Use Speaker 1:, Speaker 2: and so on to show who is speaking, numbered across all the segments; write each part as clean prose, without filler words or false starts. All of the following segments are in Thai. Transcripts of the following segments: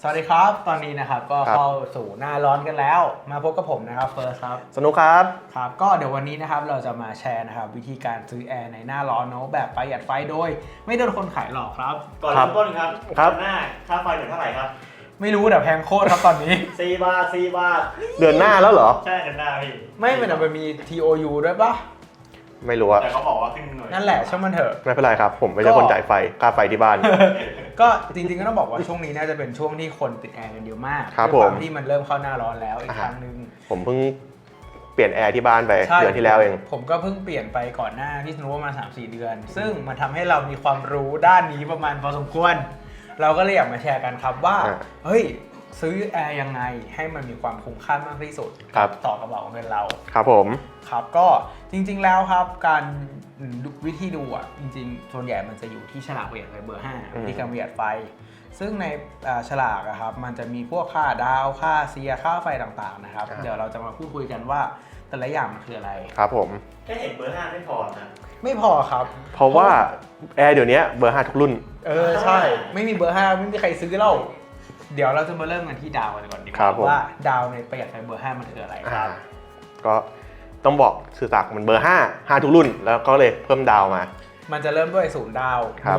Speaker 1: สวัสดีครับตอนนี้นะครับก็เข้าสู่หน้าร้อนกันแล้วมาพบกับผมนะครับเฟิร์สครับ
Speaker 2: สนุกครับ
Speaker 1: ครับก็เดี๋ยววันนี้นะครับเราจะมาแชร์นะครับวิธีการซื้อแอร์ในหน้าร้อนเนาะแบบประหยัดไฟโดยไม่โดนคนขายหลอกครับ
Speaker 3: ก่อนเริ่มต้นครับหน้าค่าไฟเดือนเท่าไหร่ครับ
Speaker 1: ไม่รู้แต่แพงโคตรครับตอนนี้
Speaker 3: 4 บาท4 บาท
Speaker 2: เดือนหน้าแล้วเหรอ
Speaker 3: ใช่เดือนหน้าพี่
Speaker 1: ไม่มันมี TOU ด้วยปะ
Speaker 2: ไม่รู้
Speaker 3: แต่เขาบอกว่าขึ้นหน่วย
Speaker 1: นั่นแหละช่างมันเถอะ
Speaker 2: ไม่เป็นไรครับผมไม่ใช่คนจ่ายไฟค่าไฟที่บ้าน
Speaker 1: ก็จริงๆก็ต้องบอกว่าช่วงนี้น่าจะเป็นช่วงที่คนติดแอร์กันเยอะมาก
Speaker 2: ครับ
Speaker 1: ด้วยความที่มันเริ่มเข้าหน้าร้อนแล้วอีกครั้งนึง
Speaker 2: ผมเพิ่งเปลี่ยนแอร์ที่บ้านไปเดือนที่แล้วเอง
Speaker 1: ผมก็เพิ่งเปลี่ยนไปก่อนหน้าที่สนุกประมาณ 3-4 เดือนซึ่งมันทำให้เรามีความรู้ด้านนี้ประมาณพอสมควรเราก็เลยอยากมาแชร์กันครับว่าเฮ้ยซื้อแอร์ยังไงให้มันมีความคุ้มค่ามากที่สุดต่อกระเป๋าเงินเรา
Speaker 2: ครับผม
Speaker 1: ครับก็จริงๆแล้วครับการวิธีดูอ่ะจริงๆส่วนใหญ่มันจะอยู่ที่ฉลากประหยัดไฟเบอร์5ที่การประหยัดไฟซึ่งในฉลากครับมันจะมีพวกค่าดาวค่าเสียค่าไฟต่างๆนะครับเดี๋ยวเราจะมาพูดคุยกันว่าแต่ละอย่างมันคืออะไร
Speaker 2: ครับผม
Speaker 3: แค่เห็นเบอร์5ไม่พอนะ
Speaker 1: ไม่พอครับ
Speaker 2: เพราะว่าแอร์เดี๋ยวนี้เบอร์5ทุกรุ่น
Speaker 1: ใช่ไม่มีเบอร์5ไม่มีใครซื้อเล่าเดี๋ยวเราจะมาเริ่มกันที่ดาวกันก่อนดีกว่าว่าดาวในประหยัดไฟเบอร์5มันคืออะไรครับ
Speaker 2: ก็ต้องบอกสื่อสารมันเบอร์5ทุกรุ่นแล้วก็เลยเพิ่มดาวมา
Speaker 1: มันจะเริ่มด้วย0ดาว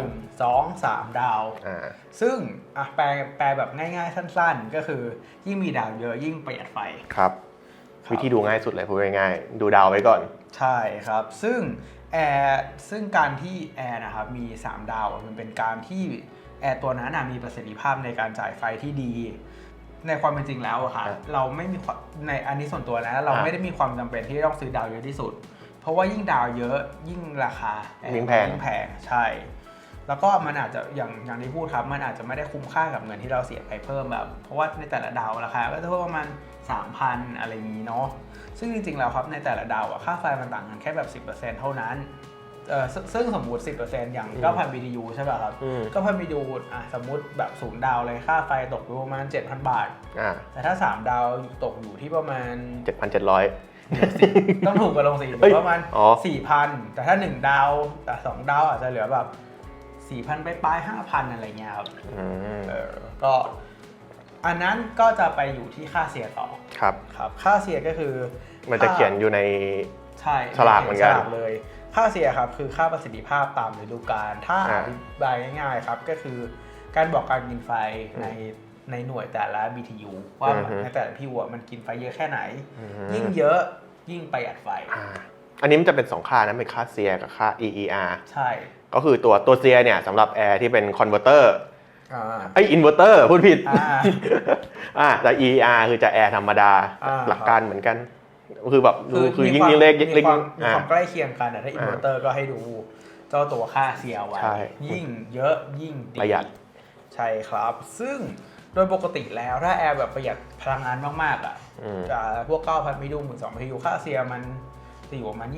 Speaker 1: 1 2 3ดาวซึ่งแปลแบบง่ายๆสั้นๆก็คือยิ่งมีดาวเยอะยิ่งประหยัดไฟ
Speaker 2: ครับวิธีดูง่ายสุดเลยพูดง่ายๆดูดาวไว้ก่อน
Speaker 1: ใช่ครับซึ่งการที่แอร์นะครับมี3ดาวมันเป็นการที่แอร์ตัวนั้นมีประสิทธิภาพในการจ่ายไฟที่ดีในความเป็นจริงแล้วอะค่ะเราไม่มีในอันนี้ส่วนตัวนะเราไม่ได้มีความจำเป็นที่ต้องซื้อดาวเยอะที่สุดเพราะว่ายิ่งดาวเยอะยิ่งราคา
Speaker 2: ยิ่งแพง
Speaker 1: ใช่แล้วก็มันอาจจะอย่างที่พูดครับมันอาจจะไม่ได้คุ้มค่ากับเงินที่เราเสียไปเพิ่มแบบเพราะว่าในแต่ละดาวราคาก็จะเพิ่มประมาณ 3,000 อะไรอย่างนี้เนาะซึ่งจริงๆแล้วครับในแต่ละดาวค่าไฟมันต่างกันแค่แบบ 10% เท่านั้นซึ่งสมมุติ 10% อย่าง 9,000 BTU ใช่ป่ะครับ9,000 BTU สมมุติแบบ0ดาวเลยค่าไฟตกอยู่ประมาณ 7,000 บาทแต่ถ้า3ดาวตกอยู่ที่ประมาณ
Speaker 2: 7,700
Speaker 1: ต้องถูกกว่าลง4ประมาณ 4,000 แต่ถ้า1ดาวแต่2ดาวอาจจะเหลือแบบ 4,000 ไปปลาย 5,000 อะไรเงี้ยครับก็อันนั้นก็จะไปอยู่ที่ค่าเสียต่อ
Speaker 2: ครับ
Speaker 1: ค่าเสียก็คือ
Speaker 2: มันจะเขียนอยู่ในฉลากเหมือนกัน
Speaker 1: เลยค่าเสียครับคือค่าประสิทธิภาพตามฤดูกาลถ้าอธิบายง่ายๆครับก็คือการบอกการกินไฟในหน่วยแต่ละ BTU ว่าในแต่ละ BTU มันกินไฟเยอะแค่ไหนยิ่งเยอะยิ่งประหยัดไฟ
Speaker 2: อันนี้มันจะเป็น2ค่านะเป็นค่าเสียกับค่า EER
Speaker 1: ใช่
Speaker 2: ก็คือตัวเสียเนี่ยสำหรับแอร์ที่เป็นคอนเวอร์เตอร์อินเวอร์เตอร์พูดผิดแต่ EER คือจะแอร์ธรรมดาหลักการเหมืมือนกันคือแบบคือยิ่งเล็ก
Speaker 1: มีความใกล้เคียงกันถ้าอินเวอร์เตอร์ก็ให้ดูเจ้าตัวค่าเสียไว้ยิ่งเยอะยิ่งดี
Speaker 2: ประหยัด
Speaker 1: ใช่ครับซึ่งโดยปกติแล้วถ้าแอร์แบบประหยัดพลังงานมากๆพวก 9,000 BTU 12,000 BTU ค่าเสียมันจะอยู่ประมาณ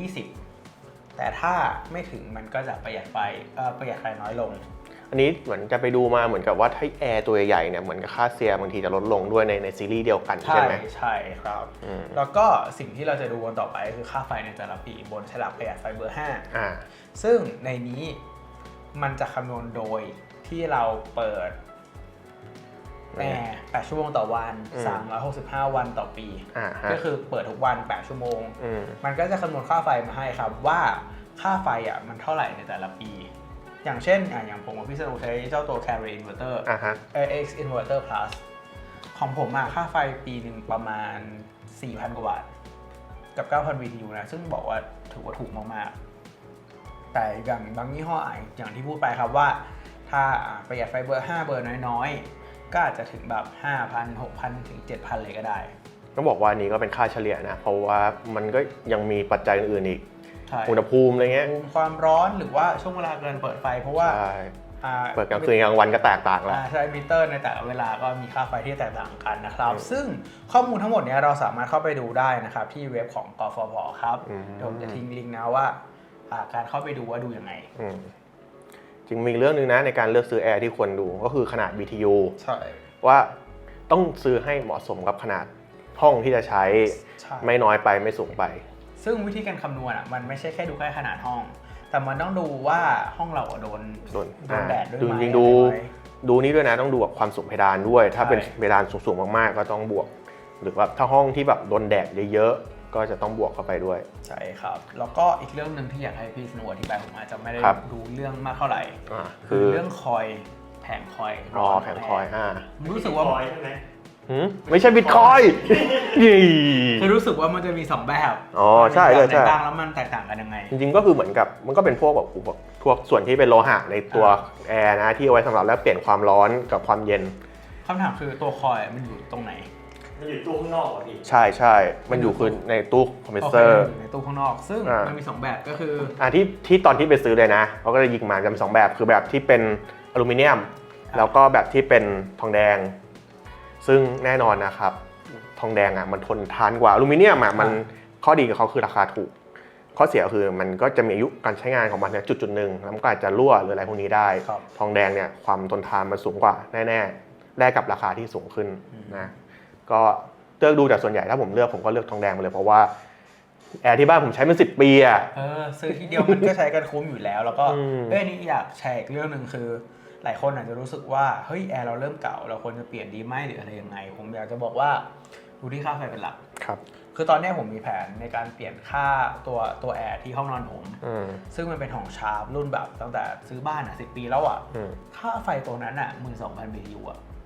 Speaker 1: 20แต่ถ้าไม่ถึงมันก็จะประหยัดไฟน้อยลง
Speaker 2: อันนี้เหมือนจะไปดูมาเหมือนกับว่าถ้าแอร์ตัวใหญ่เนี่ยเหมือนกับค่าเสียบางทีจะลดลงด้วยในซีรีส์เดียวกันใช่ไหม
Speaker 1: ใช่ครับแล้วก็สิ่งที่เราจะดูกันต่อไปคือค่าไฟในแต่ละปีบนฉลากประหยัดไฟเบอร์5ซึ่งในนี้มันจะคำนวณโดยที่เราเปิดแอร์8ชั่วโมงต่อวัน365วันต่อปีก็คือเปิดทุกวัน8ชั่วโมงมันก็จะคำนวณค่าไฟมาให้ครับว่าค่าไฟมันเท่าไหร่ในแต่ละปีอย่างเช่นอย่างผมกับพี่สนุกใช้เจ้าตัว Carrier Inverter X Inverter Plus ของผมค่าไฟปีหนึ่งประมาณ 4,000 กว่าบาทกับ 9,000 BTU นะซึ่งบอกว่าถือว่าถูกมากๆแต่อย่างบางยี่ห้ออย่างที่พูดไปครับว่าถ้าประหยัดไฟเบอร์5เบอร์น้อยๆก็อาจจะถึงแบบ 5,000 6,000 ถึง 7,000 เลยก็ได้
Speaker 2: ต้องบอกว่านี้ก็เป็นค่าเฉลี่ยนะเพราะว่ามันก็ยังมีปัจจัยอื่นๆอีกอุณหภูมิอะไรเงี้ย
Speaker 1: ความร้อนหรือว่าช่วงเวลาเกินเปิดไฟเพราะว่า
Speaker 2: เปิดกลางคืนกลางวันก็แตกต่างแล้ว
Speaker 1: ใช่มิเตอร์ในแต่ละเวลาก็มีค่าไฟที่แตกต่างกันนะครับซึ่งข้อมูลทั้งหมดนี้เราสามารถเข้าไปดูได้นะครับที่เว็บของกฟผ.ครับเดี๋ยวผมจะทิ้งลิงก์นะว่าการเข้าไปดูว่าดูยังไง
Speaker 2: จริงมีเรื่องนึงนะในการเลือกซื้อแอร์ที่ควรดูก็คือขนาด BTU
Speaker 1: ใช่
Speaker 2: ว่าต้องซื้อให้เหมาะสมกับขนาดห้องที่จะใช้ไม่น้อยไปไม่สูงไป
Speaker 1: ซึ่งวิธีการคำนวณมันไม่ใช่แค่ดูแค่ขนาดห้องแต่มันต้องดูว่าห้องเราโดนแดดด้วยไหม
Speaker 2: ดูนี่ด้วยนะต้องดูแบบความสูงเพดานด้วยถ้าเป็นเพดานสูงๆมากๆก็ต้องบวกหรือว่าถ้าห้องที่แบบโดนแดดเยอะๆก็จะต้องบวกเข้าไปด้วย
Speaker 1: ใช่ครับแล้วก็อีกเรื่องนึงที่อยากให้พี่สโนว์อธิบายผมอาจจะไม่ได้รู้เรื่องมากเท่าไหร่คือเรื่องคอยแผงคอย
Speaker 2: แผงคอย
Speaker 1: รู้สึกว่า
Speaker 3: ใช่ไหม
Speaker 2: ไม่ใช่บิตคอย
Speaker 1: คือรู้สึกว่ามันจะมี2แบบ
Speaker 2: ใช่
Speaker 1: ใช่ต่างแล้วมันแตกต่างกันยังไง
Speaker 2: จริงๆก็คือเหมือนกับมันก็เป็นพวกแบบพวกส่วนที่เป็นโลหะในตัวแอร์นะที่เอาไว้สำหรับแลกเปลี่ยนความร้อนกับความเย็น
Speaker 1: คำถามคือตัวคอยมันอยู่ตรงไหน
Speaker 3: มันอยู่ตู้ข้างนอกอ่ะพี่
Speaker 2: ใช่มันอยู่คือในตู้คอมเพรสเซอร์
Speaker 1: ในตู้ข้างนอกซึ่งมันมี2แบบก็คือ
Speaker 2: ที่ตอนที่ไปซื้อเลยนะเขาก็จะยิงมาจะมี2แบบคือแบบที่เป็นอลูมิเนียมแล้วก็แบบที่เป็นทองแดงซึ่งแน่นอนนะครับทองแดงมันทนทานกว่าอลูมิเนียมมันข้อดีกับเขาคือราคาถูกข้อเสียคือมันก็จะมีอายุการใช้งานของมันเนี่ยจุดหนึ่งแล้วมันก็อาจจะรั่วหรืออะไรพวกนี้ได้ทองแดงเนี่ยความทนทานมันสูงกว่าแน่ๆแลกกับราคาที่สูงขึ้นนะก็เลือกดูแต่ส่วนใหญ่ถ้าผมเลือกผมก็เลือกทองแดงไปเลยเพราะว่าแอร์ที่บ้านผมใช้มา10 ปี
Speaker 1: ซื้อทีเดียวมันก็ใช้กันคุ้มอยู่แล้วแล้วก็นี่อยากแชร์อีกเรื่องนึงคือหลายคนอาจจะรู้สึกว่าเฮ้ยแอร์เราเริ่มเก่าเราควรจะเปลี่ยนดีไหมหรืออะไรยังไงผมอยากจะบอกว่าดูที่ค่าไฟเป็นหลัก
Speaker 2: ครับ
Speaker 1: คือตอนนี้ผมมีแผนในการเปลี่ยนค่าตัวแอร์ที่ห้องนอนผมซึ่งมันเป็นของชาร์ปรุ่นแบบตั้งแต่ซื้อบ้าน10 ปีแล้วค่าไฟตัวนั้น12,000 BTU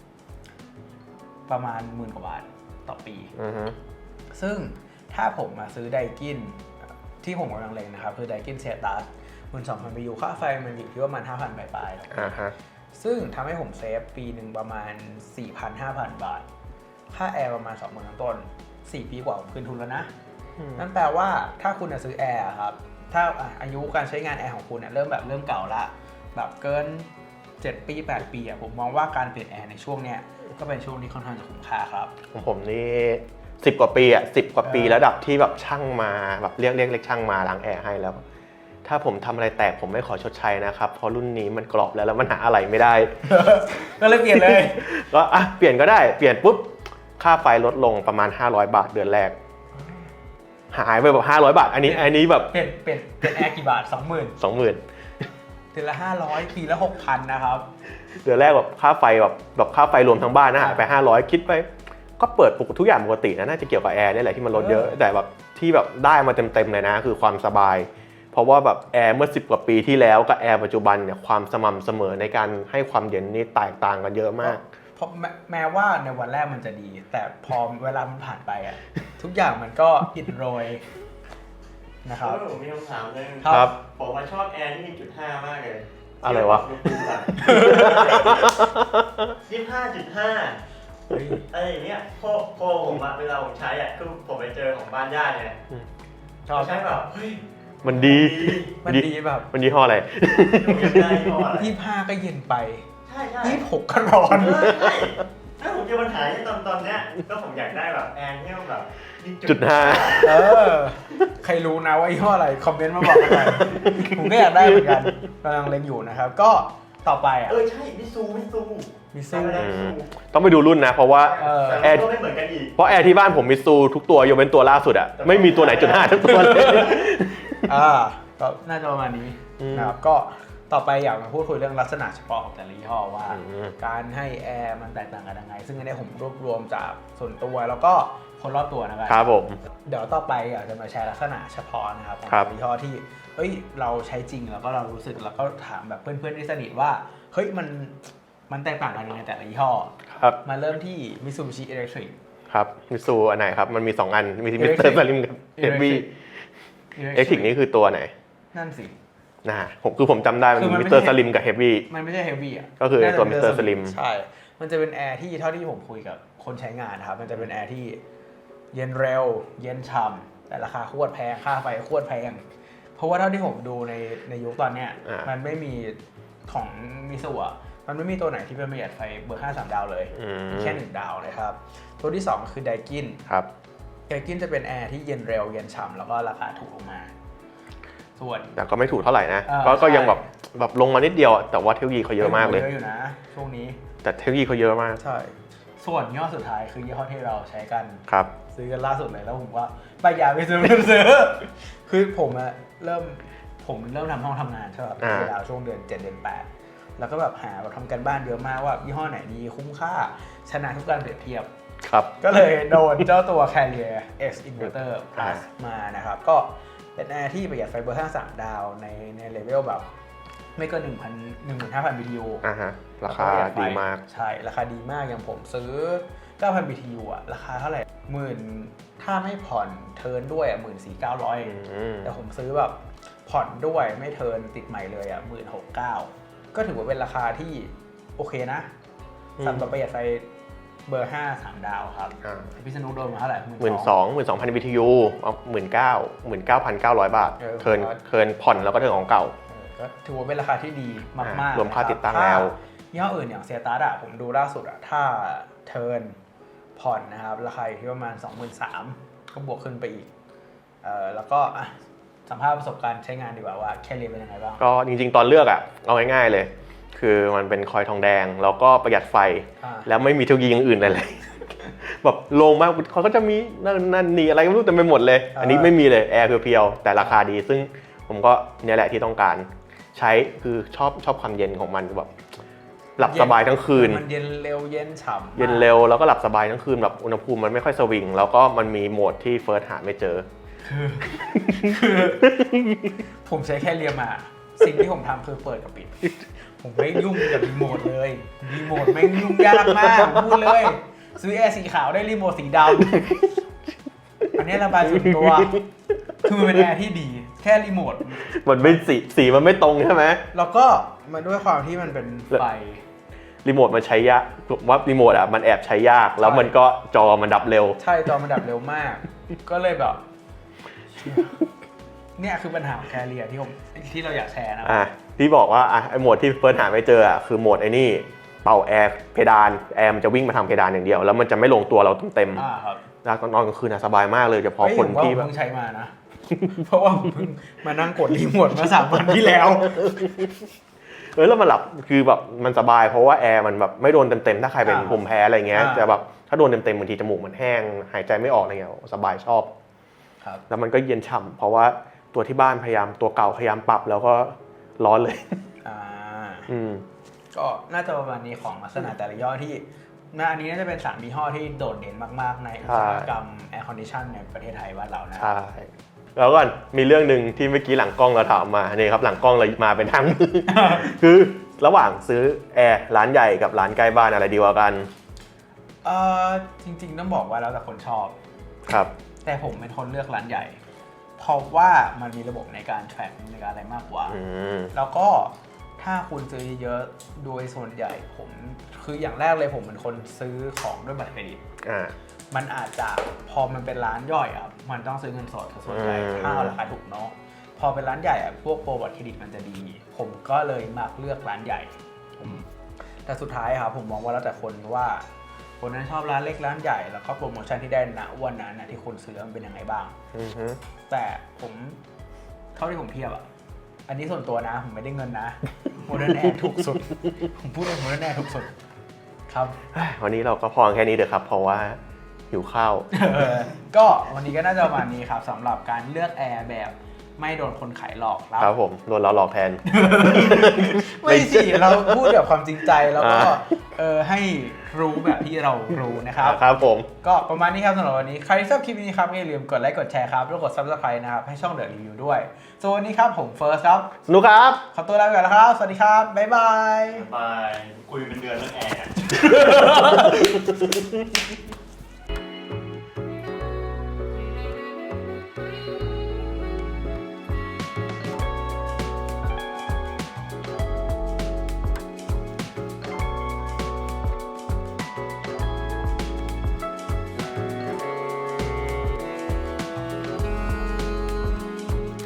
Speaker 1: ประมาณ10,000 กว่าบาทต่อปีซึ่งถ้าผมมาซื้อไดกินที่ผมกำลังเล็งนะครับคือไดกินเซตัส12,000 BTU ค่าไฟมันอยู่ที่ประมาณ 5,000 ปลายๆซึ่งทำให้ผมเซฟปีหนึ่งประมาณ 4,000-5,000 บาทค่าแอร์ประมาณ 20,000 ต้น4 ปีกว่าผมคืนทุนแล้วนะนั่นแปลว่าถ้าคุณจะซื้อแอร์ครับถ้าอายุการใช้งานแอร์ของคุณเริ่มเก่าละแบบเกิน7 ปี 8 ปีผมมองว่าการเปลี่ยนแอร์ในช่วงเนี้ยก็เป็นช่วงที่ค่อนข้างจะคุ้มค่าครับ
Speaker 2: ของผมนี่10 กว่าปี10 กว่าปีระดับที่แบบช่างมาแบบเรียกช่างมาล้างแอร์ให้แล้วถ้าผมทำอะไรแตกผมไม่ขอชดใช้นะครับเพราะรุ่นนี้มันกรอบแล้วมันหาอะไรไม่ได้
Speaker 1: ก็เลยเปลี่ยนเลย
Speaker 2: ก็เปลี่ยนก็ได้เปลี่ยนปุ๊บค่าไฟลดลงประมาณ500 บาทเดือนแรกหายไปแบบ500 บาทอันนี้แบบ
Speaker 1: เปลี่ยนแอร์กี่บาท 20,000 เดือนละ500ปีละ 6,000 นะครับ
Speaker 2: เดือนแรกแบบค่าไฟแบบค่าไฟรวมทั้งบ้านหายไป500คิดไปก็เปิดปกติทุกอย่างปกตินะน่าจะเกี่ยวกับแอร์นี่แหละที่มันลดเยอะแต่แบบที่แบบได้มาเต็มเลยนะคือความสบายเพราะว่าแบบแอร์เมื่อ10 กว่าปีที่แล้วกับแอร์ปัจจุบันเนี่ยความสม่ำเสมอในการให้ความเย็นนี่แตกต่างกันเยอะมาก
Speaker 1: เพราะแม้ว่าในวันแรกมันจะดีแต่พอเวลามันผ่านไปทุกอย่างมันก็อิดโรยนะครับ
Speaker 3: ผมมีคำถามนึง
Speaker 2: ครับ
Speaker 3: ผมชอบแอร์ที่มี.5มากเลย
Speaker 2: อะไรวะ
Speaker 3: 25.5อะไรอย่างเงี้ยโคผมเวลาผมใช้คือผมไปเจอของบ้านญาติเนี่ยชอบใช้แบบเฮ้ย
Speaker 2: มันดี
Speaker 1: แบบ
Speaker 2: มันยี่ห้ออะไร
Speaker 1: 25ก็เย็นไป
Speaker 3: ใช่
Speaker 1: 26ก็ร้อน
Speaker 3: ถ้าผมเจอปัญหาที่ตอนเนี้ยก็ผมอยากได้แบบแอร์ที่มันแบบ
Speaker 2: .5
Speaker 1: ใครรู้นะว่ายี่ห้ออะไรคอมเมนต์มาบอกกันหน่อยผมก็อยากได้เหมือนกันกำลังเล็งอยู่นะครับก็ต่อไป
Speaker 3: ใช่มิซู
Speaker 2: ต้องไปดูรุ่นนะเพราะว่า
Speaker 3: แอร์ไม่เหมือนกันอีก
Speaker 2: เพราะแอร์ที่บ้านผมมิซูทุกตัวยกเว้นตัวล่าสุดไม่มีตัวไหน.5 ทั้งตัวเลย
Speaker 1: ก็น่าจะประมาณนี้นะครับก็ต่อไปอยากมาพูดคุยเรื่องลักษณะเฉพาะของแต่ละยี่ห้อว่าการให้แอร์มันแตกต่างกันยังไงซึ่งอันนี้ผมรวบรวมจากส่วนตัวแล้วก็คนรอบตัวนะครับ
Speaker 2: ครับผม
Speaker 1: เดี๋ยวต่อไปอยากจะมาแชร์ลักษณะเฉพาะนะครับของยี่ห้อที่เราใช้จริงแล้วก็เรารู้สึกแล้วก็ถามแบบเพื่อนๆที่สนิทว่าเฮ้ยมันแตกต่างกันยังไงแต่ละยี่ห้อ
Speaker 2: ครับ
Speaker 1: มาเริ่มที่ Mitsubishi Electric
Speaker 2: ครับมิซูอันไหนครับมันมี2อันมีมิสเตอร์สลิมกับ Heavy Electric นี่คือตัวไหน
Speaker 1: นั่นสิ
Speaker 2: ผมจำได้มันมีมิสเตอร์สลิมกับ Heavy
Speaker 1: มันไม่ใช่ Heavy
Speaker 2: ก็คือตัวมิสเตอร์สลิม
Speaker 1: ใช่มันจะเป็นแอร์ที่เท่าที่ผมคุยกับคนใช้งานนะครับมันจะเป็นแอร์ที่เย็นเร็วเย็นฉ่ำแต่ราคาโคตรแพงค่าไฟโคตรแพงเพราะว่าเท่าที่ผมดูในยุคตอนเนี้ยมันไม่มีของมิซูมันไม่มีตัวไหนที่เป็นประหยัดไฟเบอร์5 3 ดาวเลยแค่1 ดาวนะครับตัวที่2คือไดกิน
Speaker 2: ครับ
Speaker 1: ไดกินจะเป็นแอร์ที่เย็นเร็วเย็นฉ่ำแล้วก็ราคาถูกลงมาส่วน
Speaker 2: แต่ก็ไม่ถูกเท่าไหร่นะก็ยังแบบลงมานิดเดียวแต่ว่าเทคโนโลยีเขาเยอะมากเลย
Speaker 1: เยอะอยู่นะช่วงนี้
Speaker 2: แต่เทคโนโลยีเขาเยอะมาก
Speaker 1: ใช่ส่วนยี่ห้อสุดท้ายคือยี่ห้อที่เราใช้กัน
Speaker 2: ครับ
Speaker 1: ซื้อกันล่าสุดเลยแล้วผมว่าไปอย่าไปซื้อคือผมเริ่มทำห้องทำงานใช่ป่ะเวลาช่วงเดือน7 เดือน 8 แล้วก็แบบหาแบบทำกันบ้านเยอะมากว่ายี่ห้อไหนดีคุ้มค่าชนะทุกการเปรียบเทียบ
Speaker 2: ครับ
Speaker 1: ก็เลยโดนเจ้าตัว Carrier X Inverter Plus มานะครับก็เป็นแอร์ที่ประหยัดไฟเบอร์5 ดาวในเลเวลแบบไม่เกิน 15,000 BTU
Speaker 2: ฮะราคาดีมาก
Speaker 1: ใช่ราคาดีมากอย่างผมซื้อ 9,000 BTU อะราคาเท่าไหร่ถ้าไม่ผ่อนเทิร์นด้วยอะ 14,900 แต่ผมซื้อแบบผ่อนด้วยไม่เทิร์นติดใหม่เลยอะ 16,900 ก็ถือว่าเป็นราคาที่โอเคนะสำหรับประหยัดไฟเบอร์5 3 ดาวครับพี่สนุกโดนมาเท่าไหร่
Speaker 2: 12,000 BTU เอา19,900 บาทเทิร์นผ่อนแล้วก็เทิร์นของเก่า
Speaker 1: ก็ถือว่าเป็นราคาที่ดีมากๆ
Speaker 2: รวมค่าติดตั้งแล้ว
Speaker 1: ยี่ห้ออื่นอย่างเซียตัสอะผมดูล่าสุดอะถ้าเทิร์นผ่อนนะครับราคาอยู่ที่ประมาณ 23,000 ก็บวกขึ้นไปอีกแล้วก็สัมภาษณ์ประสบการณ์ใช้งานดีกว่าว่าแค่เรียนเป็นยังไงบ้าง
Speaker 2: ก็จริงๆตอนเลือกอะเอาง่ายๆเลยคือมันเป็นคอยทองแดงแล้วก็ประหยัดไฟแล้วไม่มีเทคโนโลยีอย่างอื่นอะไรเลยแบบโล่งมากเขาก็จะมีนั่นนี่อะไรก็ไม่รู้เต็มไปหมดเลยอันนี้ไม่มีเลยแอร์เพียวๆแต่ราคาดีซึ่งผมก็เนี่ยแหละที่ต้องการใช้คือชอบความเย็นของมันแบบหลับสบายทั้งคืน
Speaker 1: มันเย็นเร็วเย็นฉ่ำ
Speaker 2: เย็นเร็วแล้วก็หลับสบายทั้งคืนแบบอุณหภูมิมันไม่ค่อยสวิงแล้วก็มันมีโหมดที่เฟิร์สหาไม่เจอ
Speaker 1: คือผมใช้แค่เรียมาสิ่งที่ผมทำคือเปิดกับปิดผมไม่ยุ่งกับรีโมทเลยรีโมทไม่ยุ่งยากมากพูดเลยซื้อแอร์สีขาวได้รีโมทสีดำอันนี้ระบายส่วนตัวคือมันเป็นแอร์ที่ดีแค่รีโมท
Speaker 2: มันไม่สีมันไม่ตรงใช่ไหม
Speaker 1: แล้วก็มันด้วยความที่มันเป็นไฟ
Speaker 2: รีโมทมันใช้ยากว่ารีโมทอ่ะมันแอบใช้ยากแล้วมันก็จอมันดับเร็ว
Speaker 1: ใช่จอมันดับเร็วมากก็เลยแบบเนี่ยคือปัญหาของแคเรียที่เราอยากแชร์นะ
Speaker 2: ที่บอกว่าไอโหมดที่เฟิร์สหาไม่เจอคือโหมดไอ้นี่เป่าแอร์เพดานแอร์มันจะวิ่งมาทางเพดานอย่างเดียวแล้วมันจะไม่ลงตัวเราเต็มแล้วตอนนอนกลางคืนสบายมากเลยเฉพาะคนที่
Speaker 1: แบบเพิ่งใช้มานะเพราะว่าเพิ่งมานั่งกดรีโมทมา3 วันที่แล้ว
Speaker 2: แล้วมันหลับคือแบบมันสบายเพราะว่าแอร์มันแบบไม่โดนเต็มๆถ้าใครเป็นภูมิแพ้อะไรเงี้ยแต่แบบถ้าโดนเต็มๆบางทีจมูกมันแห้งหายใจไม่ออกอะไรเงี้ยสบายชอบแล้วมันก็เย็นฉ่ำเพราะว่าตัวที่บ้านพยายามตัวเก่าพยายามปรับแล้วก็ร้อนเลย
Speaker 1: ก็น่าจะประมาณนี้ของลักษณะแต่ละย่อที่อันนี้น่าจะเป็น3 ยี่ห้อที่โดดเด่นมากๆในอุตสาหกรรมแอร์คอนดิชันในประเทศไทยบ้านเรานะ
Speaker 2: ใช่แล้วก่อนมีเรื่องนึงที่เมื่อกี้หลังกล้องเราถามมานี่ครับหลังกล้องเรามาเป็นทั้งมือ คือระหว่างซื้อแอร์ร้านใหญ่กับร้านใกล้บ้านอะไรดีกว่ากัน
Speaker 1: จริงๆต้องบอกว่าแล้วแต่คนชอบ
Speaker 2: ครับ
Speaker 1: แต่ผมเป็นคนเลือกร้านใหญ่เพราะว่ามันมีระบบในการแทร็กในการอะไรมากกว่าแล้วก็ถ้าคุณซื้อเยอะโดยส่วนใหญ่ผมคืออย่างแรกเลยผมเป็นคนซื้อของด้วยบัตรเครดิตมันอาจจะพอมันเป็นร้านย่อยอ่ะมันต้องซื้อเงินสดส่วนใหญ่ถ้าราคาถูกเนาะพอเป็นร้านใหญ่อ่ะพวกโปรบัตรเครดิตมันจะดีผมก็เลยมักเลือกร้านใหญ่แต่สุดท้ายครับผมมองว่าแล้วแต่คนว่าคนนั้นชอบร้านเล็กร้านใหญ่แล้วก็โปรโมชั่นที่ได้ณวันนั้นนะที่คุณซื้อมันเป็นยังไงบ้างแต่ผมเท่าที่ผมเทียบอ่ะอันนี้ส่วนตัวนะผมไม่ได้เงินนะโมเดิร์นแอร์ถูกสุดผมพูดเลยโมเดิร์นแอร์ถูกสุดครับ
Speaker 2: วันนี้เราก็พอแค่นี้เถอะครับเพราะว่าหิวข้าว
Speaker 1: ก็วันนี้ก็น่าจะประมาณนี้ครับสำหรับการเลือกแอร์แบบไม่โดนคนขายหลอก
Speaker 2: ครับผมโดนเราหลอกแทน
Speaker 1: ไม่สิเราพูดแบบความจริงใจแล้วก็ให้รู้แบบที่เรารู้นะครับ
Speaker 2: ครับผม
Speaker 1: ก็ประมาณนี้ครับสำหรับวันนี้ใครชอบคลิปนี้ครับอย่าลืมกดไลค์กดแชร์ครับแล้วกด Subscribe นะครับให้ช่องเดอะรีวิวด้วยส่วนวันนี้ครับผมเฟิร์สครับ
Speaker 2: สนุกครับ
Speaker 1: ขอตัวลาไปก่อนแล้วครับสวัสดีครับบ๊ายบาย
Speaker 3: คุยเป็นเดือนเรื่องแอร์